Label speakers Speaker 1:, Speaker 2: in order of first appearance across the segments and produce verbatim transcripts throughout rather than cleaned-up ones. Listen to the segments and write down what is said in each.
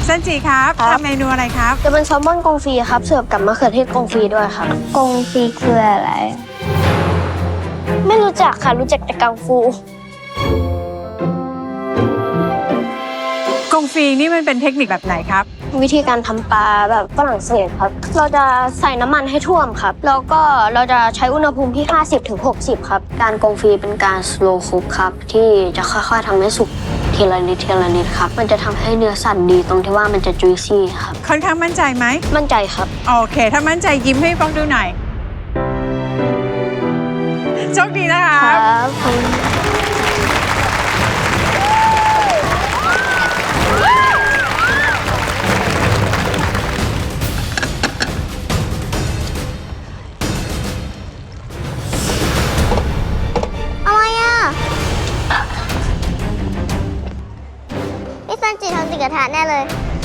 Speaker 1: ซันจิครับทำเมนูอะไรครับ
Speaker 2: จะเป็นแซลมอนกงฟรีครับเสิร์ฟกับมะเขือเทศกงฟรีด้วยครับกงฟรีคืออะไรไม่รู้จักค่ะรู้จักแต่กังฟู
Speaker 1: กงฟรีนี่มันเป็นเทคนิคแบบไหนครับ
Speaker 2: วิธีการทำปลาแบบฝรั่งเศสครับเราจะใส่น้ำมันให้ท่วมครับแล้วก็เราจะใช้อุณหภูมิที่ ห้าสิบถึงหกสิบ ครับการกงฟรีเป็นการ slow cook ครับที่จะค่อยๆทำให้สุกทีละนิดทีละนิดครับมันจะทำให้เนื้อสัตว์ดีตรงที่ว่ามันจะ juicy ครับ
Speaker 1: ค่อนข้างมั่นใจไหม
Speaker 2: มั่นใจครับ
Speaker 1: โอเคถ้ามั่นใจยิ้มให้ฟังดูหน่อยโชคดีนะคะ
Speaker 2: ครับอะไรอ่ะพี่ซันจิทำติดกระทะแน่เลย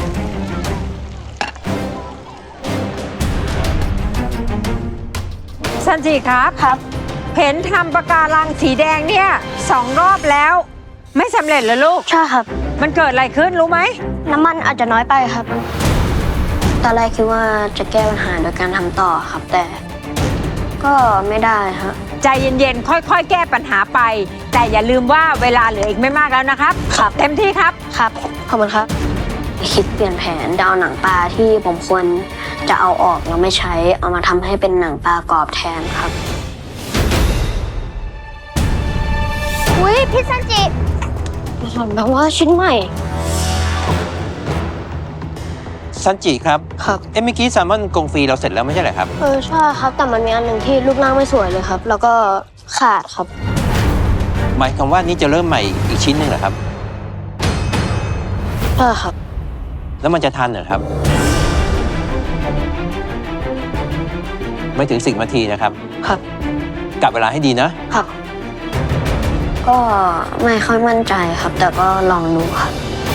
Speaker 1: ซันจิครับ
Speaker 2: ครับ
Speaker 1: เห็นทำปะการังสีแดงเนี่ยสองรอบแล้วไม่สำเร็จเหรอลูก
Speaker 2: ใช่ครับ
Speaker 1: มันเกิดอะไรขึ้นรู้ไหม
Speaker 2: น้ำมันอาจจะน้อยไปครับตอนแรกคิดว่าจะแก้ปัญหาโดยการทำต่อครับแต่ก็ไม่ได้ครับ
Speaker 1: ใจเย็นๆค่อยๆแก้ปัญหาไปแต่อย่าลืมว่าเวลาเหลืออีกไม่มากแล้วนะครับ
Speaker 2: ครับ
Speaker 1: เต็มที่ครับ
Speaker 2: ครับขอบคุณครับคิดเปลี่ยนแผนดาวหนังปลาที่ผมควรจะเอาออกแล้วไม่ใช้เอามาทำให้เป็นหนังปลากรอบแทนครับอุ้ยพี่ซันจิสอนแบบว่าชิ้นใหม่
Speaker 3: ซันจิครับ
Speaker 2: ครับ
Speaker 3: เอ็มเมื่อกี้แซลมอนกงฟรีเราเสร็จแล้วไม่ใช่เหรอครับ
Speaker 2: เออใช่ครับแต่มันมีอันหนึ่งที่รูปร่างไม่สวยเลยครับแล้วก็ขาดครับ
Speaker 3: หมายความว่านี่จะเริ่มใหม่อีกชิ้นหนึ่งเหรอครับ
Speaker 2: ใช่ครับ
Speaker 3: แล้วมันจะทันเหรอครับไม่ถึงสิบนาทีนะครับ
Speaker 2: ครับ
Speaker 3: กลับเวลาให้ดีนะครับ
Speaker 2: ก็ไม่ค่อยมั่นใจครับแต่ก็ลองดูครับ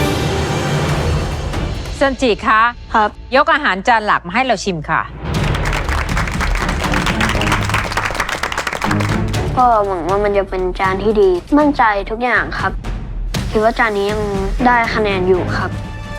Speaker 1: ซันจิคะ
Speaker 2: ครับ
Speaker 1: ยกอาหารจานหลักมาให้เราชิมค่ะ
Speaker 2: ก็หวังว่ามันจะเป็นจานที่ดีมั่นใจทุกอย่างครับคิดว่าจานนี้ยังได้คะแนนอยู่ครับ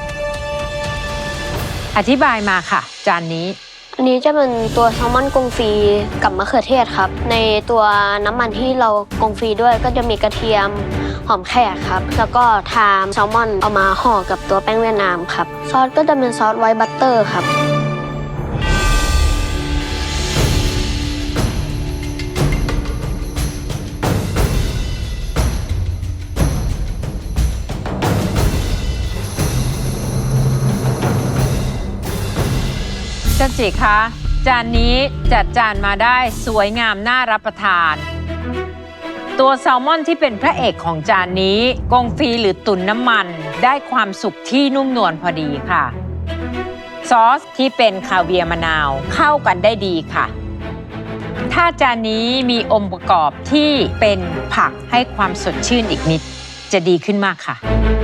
Speaker 1: อธิบายมาค่ะจานนี้
Speaker 2: อันนี้จะเป็นตัวแซลมอนกงฟรีกับมะเขือเทศครับในตัวน้ำมันที่เรากงฟรีด้วยก็จะมีกระเทียมหอมแขกครับแล้วก็ทามแซลมอนเอามาห่อกับตัวแป้งเวียดนามครับซอสก็จะเป็นซอสไวท์บัตเตอร์ครับ
Speaker 1: ซันจิคะจานนี้จัดจานมาได้สวยงามน่ารับประทานตัวแซลมอนที่เป็นพระเอกของจานนี้กงฟรีหรือตุ๋นน้ำมันได้ความสุกที่นุ่มนวลพอดีค่ะซอสที่เป็นคาเวียร์มะนาวเข้ากันได้ดีค่ะถ้าจานนี้มีองค์ประกอบที่เป็นผักให้ความสดชื่นอีกนิดจะดีขึ้นมากค่ะ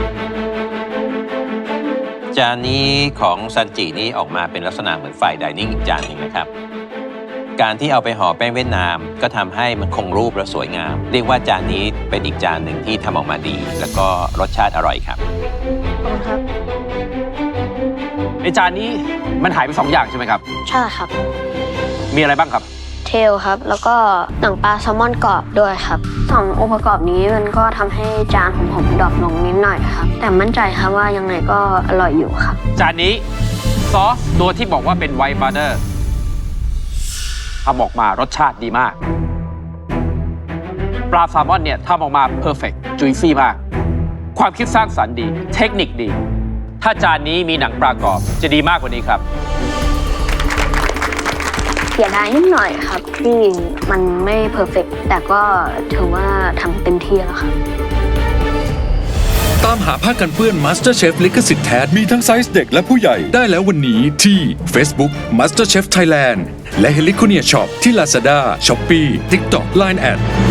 Speaker 3: จานนี้ของซันจินี้ออกมาเป็นลักษณะเหมือนไฟน์ไดนิ่งอีกจานหนึ่งนะครับการที่เอาไปห่อแป้งเวียดนามก็ทำให้มันคงรูปและสวยงามเรียกว่าจานนี้เป็นอีกจานหนึ่งที่ทำออกมาดีแล้วก็รสชาติอร่อยครับ
Speaker 2: ขอบคุณครับ
Speaker 4: ในจานนี้มันหายไปสองอย่างใช่ไหมครับ
Speaker 2: ใช่ครับ
Speaker 4: มีอะไรบ้างครับ
Speaker 2: เทลครับแล้วก็หนังปลาแซลมอนกรอบด้วยครับสององค์ประกอบนี้มันก็ทำให้จานของผมดรอปลงนิดหน่อยครับแต่มั่นใจครับว่ายังไงก็อร่อยอยู่ครับ
Speaker 4: จานนี้ซอสตัวที่บอกว่าเป็นไวท์บัตเตอร์ทำออกมารสชาติดีมากปลาแซลมอนเนี่ยทำออกมาเพอร์เฟกต์จุยซี่มากความคิดสร้างสรรค์ดีเทคนิคดีถ้าจานนี้มีหนังปลากรอบจะดีมากกว่านี้ครับ
Speaker 2: เสียดายนิดหน่อยครับที่มันไม่เพอร์เฟกต์แต่ก็ถือว่าทำเต็มที่แล้วครับ
Speaker 5: ตามหาผ้ากันเปื้อน MasterChef ลิขสิทธิ์แท้มีทั้งไซส์เด็กและผู้ใหญ่ได้แล้ววันนี้ที่ Facebook MasterChef Thailand และ Heliconia Shop ที่ Lazada, Shopee, TikTok, ไลน์ แอท